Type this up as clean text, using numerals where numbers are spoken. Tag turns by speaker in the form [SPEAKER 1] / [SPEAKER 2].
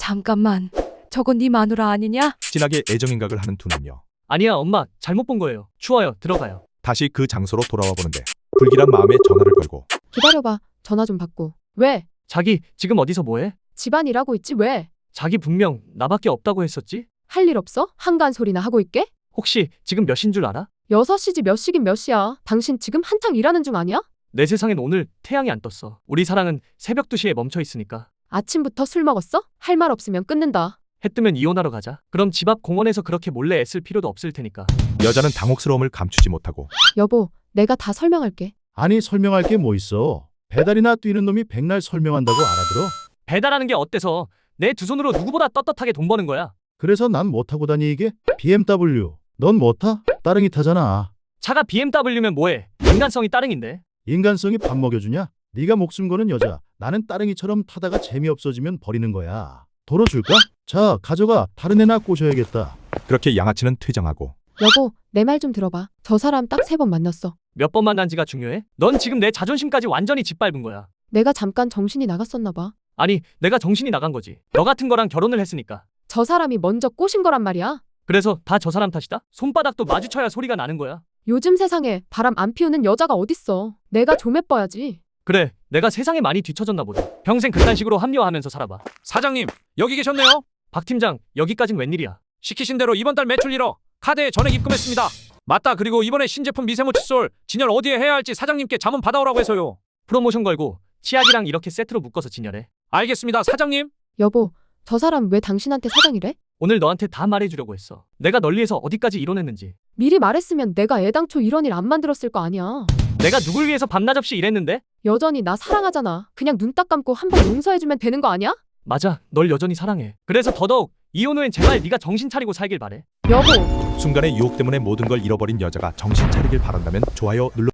[SPEAKER 1] 잠깐만. 저건 네 마누라 아니냐?
[SPEAKER 2] 진하게 애정행각을 하는 두 남녀.
[SPEAKER 3] 아니야, 엄마. 잘못 본 거예요. 추워요. 들어가요.
[SPEAKER 2] 다시 그 장소로 돌아와 보는데 불길한 마음에 전화를 걸고
[SPEAKER 4] 기다려봐. 전화 좀 받고. 왜?
[SPEAKER 3] 자기 지금 어디서 뭐해?
[SPEAKER 4] 집안 일하고 있지 왜?
[SPEAKER 3] 자기 분명 나밖에 없다고 했었지?
[SPEAKER 4] 할 일 없어? 한가한 소리나 하고 있게?
[SPEAKER 3] 혹시 지금 몇 시인 줄 알아?
[SPEAKER 4] 6시지 몇 시긴 몇 시야. 당신 지금 한창 일하는 중 아니야?
[SPEAKER 3] 내 세상엔 오늘 태양이 안 떴어. 우리 사랑은 새벽 2시에 멈춰 있으니까.
[SPEAKER 4] 아침부터 술 먹었어? 할 말 없으면 끊는다.
[SPEAKER 3] 해 뜨면 이혼하러 가자. 그럼 집 앞 공원에서 그렇게 몰래 애쓸 필요도 없을 테니까.
[SPEAKER 2] 여자는 당혹스러움을 감추지 못하고
[SPEAKER 4] 여보, 내가 다 설명할게.
[SPEAKER 5] 아니 설명할 게 뭐 있어. 배달이나 뛰는 놈이 백날 설명한다고 알아들어?
[SPEAKER 3] 배달하는 게 어때서? 내 두 손으로 누구보다 떳떳하게 돈 버는 거야.
[SPEAKER 5] 그래서 난 뭐 타고 다니게? BMW. 넌 뭐 타? 따릉이 타잖아.
[SPEAKER 3] 차가 BMW면 뭐해? 인간성이 따릉인데.
[SPEAKER 5] 인간성이 밥 먹여주냐? 네가 목숨 거는 여자. 나는 따릉이처럼 타다가 재미없어지면 버리는 거야. 도로 줄까? 자, 가져가. 다른 애나 꼬셔야겠다.
[SPEAKER 2] 그렇게 양아치는 퇴장하고
[SPEAKER 4] 여보, 내 말 좀 들어봐. 저 사람 딱 3번 만났어.
[SPEAKER 3] 몇 번 만난지가 중요해? 넌 지금 내 자존심까지 완전히 짓밟은 거야.
[SPEAKER 4] 내가 잠깐 정신이 나갔었나 봐.
[SPEAKER 3] 아니, 내가 정신이 나간 거지. 너 같은 거랑 결혼을 했으니까.
[SPEAKER 4] 저 사람이 먼저 꼬신 거란 말이야.
[SPEAKER 3] 그래서 다 저 사람 탓이다? 손바닥도 마주쳐야 소리가 나는 거야.
[SPEAKER 4] 요즘 세상에 바람 안 피우는 여자가 어딨어. 내가 좀 예뻐야지.
[SPEAKER 3] 그래, 내가 세상에 많이 뒤처졌나 보다. 평생 그딴 식으로 합리화하면서 살아봐.
[SPEAKER 6] 사장님, 여기 계셨네요.
[SPEAKER 3] 박 팀장, 여기까진 웬일이야?
[SPEAKER 6] 시키신 대로 이번 달 매출 1억 카드에 전액 입금했습니다. 맞다. 그리고 이번에 신제품 미세모 칫솔 진열 어디에 해야 할지 사장님께 자문 받아오라고 해서요.
[SPEAKER 3] 프로모션 걸고 치약이랑 이렇게 세트로 묶어서 진열해.
[SPEAKER 6] 알겠습니다, 사장님.
[SPEAKER 4] 여보, 저 사람 왜 당신한테 사장이래?
[SPEAKER 3] 오늘 너한테 다 말해주려고 했어. 내가 널 위해서 어디까지 이뤄냈는지.
[SPEAKER 4] 미리 말했으면 내가 애당초 이런 일 안 만들었을 거 아니야.
[SPEAKER 3] 내가 누굴 위해서 밤낮 없이 일했는데?
[SPEAKER 4] 여전히 나 사랑하잖아. 그냥 눈 딱 감고 한 번 용서해주면 되는 거 아니야?
[SPEAKER 3] 맞아, 널 여전히 사랑해. 그래서 더더욱 이혼 후엔 제발 네가 정신 차리고 살길 바래.
[SPEAKER 4] 여보.
[SPEAKER 2] 순간의 유혹 때문에 모든 걸 잃어버린 여자가 정신 차리길 바란다면 좋아요 눌러